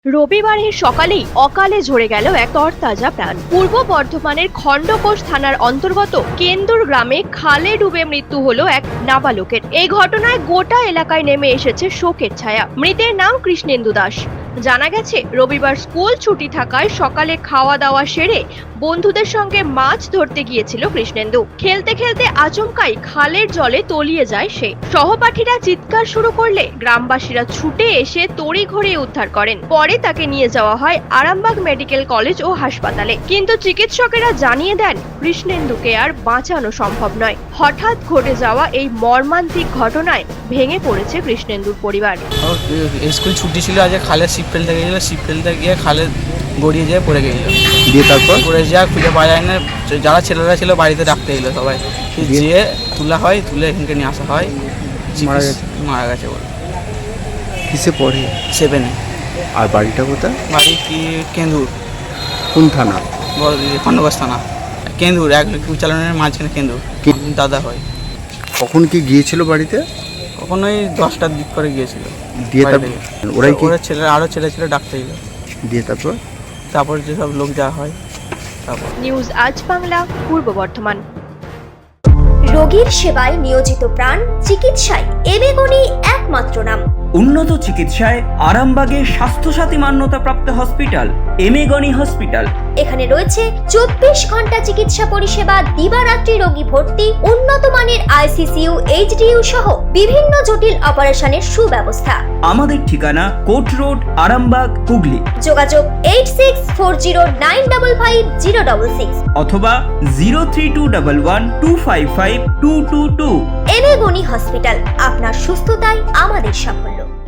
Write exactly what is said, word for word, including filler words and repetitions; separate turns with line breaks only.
রবিবারের সকালেই অকালে ঝরে গেল এক তরতাজা প্রাণ। পূর্ব বর্ধমানের খণ্ডঘোষ থানার অন্তর্গত কেন্দুর গ্রামে খালে ডুবে মৃত্যু হলো এক নাবালকের। এই ঘটনায় গোটা এলাকায় নেমে এসেছে শোকের ছায়া। মৃতের নাম কৃষ্ণেন্দু দাস। জানা গেছে, রবিবার স্কুল ছুটি থাকায় সকালে খাওয়া দাওয়া সেরে বন্ধুদের সঙ্গে মাছ ধরতে গিয়েছিল কৃষ্ণেন্দু। খেলতে খেলতে আচমকাই খালের জলে তলিয়ে যায় সে। সহপাঠীরা চিৎকার শুরু করলে গ্রামবাসীরা ছুটে এসে তড়িঘড়ি উদ্ধার করেন। পরে তাকে নিয়ে যাওয়া হয় আরামবাগ মেডিকেল কলেজ ও হাসপাতালে, কিন্তু চিকিৎসকেরা জানিয়ে দেন কৃষ্ণেন্দুকে আর বাঁচানো সম্ভব নয়। হঠাৎ ঘটে যাওয়া এই মর্মান্তিক ঘটনায় ভেঙে পড়েছে কৃষ্ণেন্দুর পরিবার।
স্কুল ছুটি ছিল, আজ খালে শিপ ফেলতে গিয়েছিল, শিপ ফেলতে গিয়ে খালে গড়িয়ে যেয়ে পড়ে গেছিল।
দিয়ে তারপর
পড়ে যা খুঁজে পাওয়া যায় না, যারা ছেলেরা ছিল বাড়িতে ডাকতে গেলো সবাই, যেয়ে তোলা হয়, তুলে এখানকে নিয়ে আসা হয়।
মারা গেছে
মারা গেছে বলে।
কিসে পড়ে?
সেভেনে।
আর বাড়িটা কোথায়?
বাড়ি কি কেন্দুর।
কোন থানা?
বড় খণ্ডঘোষ থানা। কেন্দুর এক উচ্চালনের মাঝখানে কেন্দুর। দাদা হয়।
কখন কি গিয়েছিল বাড়িতে?
কখনোই দশটার দিক করে গিয়েছিল।
দিয়ে তারপর ওরাই কি
ওরা ছেলে আরও ছেলে ছিল ডাকতে গেলো।
দিয়ে তারপর
তারপর যেসব লোক যাওয়া হয় তারপর।
নিউজ আজ বাংলা, পূর্ব বর্ধমান।
রোগীর সেবায় নিয়োজিত প্রাণ, চিকিৎসায় এবেগুনি একমাত্র নাম।
উন্নত চিকিৎসায় আরামবাগে স্বাস্থ্যসাথী মান্যতাপ্রাপ্ত হসপিটাল এমেগনি হসপিটাল।
এখানে রয়েছে চব্বিশ ঘন্টা চিকিৎসা পরিষেবা, দিবারাত্রি রোগী ভর্তি, উন্নত মানের আইসিসিইউ, এইচডিইউ সহ বিভিন্ন জটিল অপারেশনের সুব্যবস্থা।
আমাদের ঠিকানা কোট রোড, আরামবাগ, হুগলি।
যোগাযোগ eight six four zero nine double five zero double six
অথবা zero three two double one two five five two two two.
এবেগুনি হসপিটাল, আপনার সুস্থতাই আমাদের সাফল্য।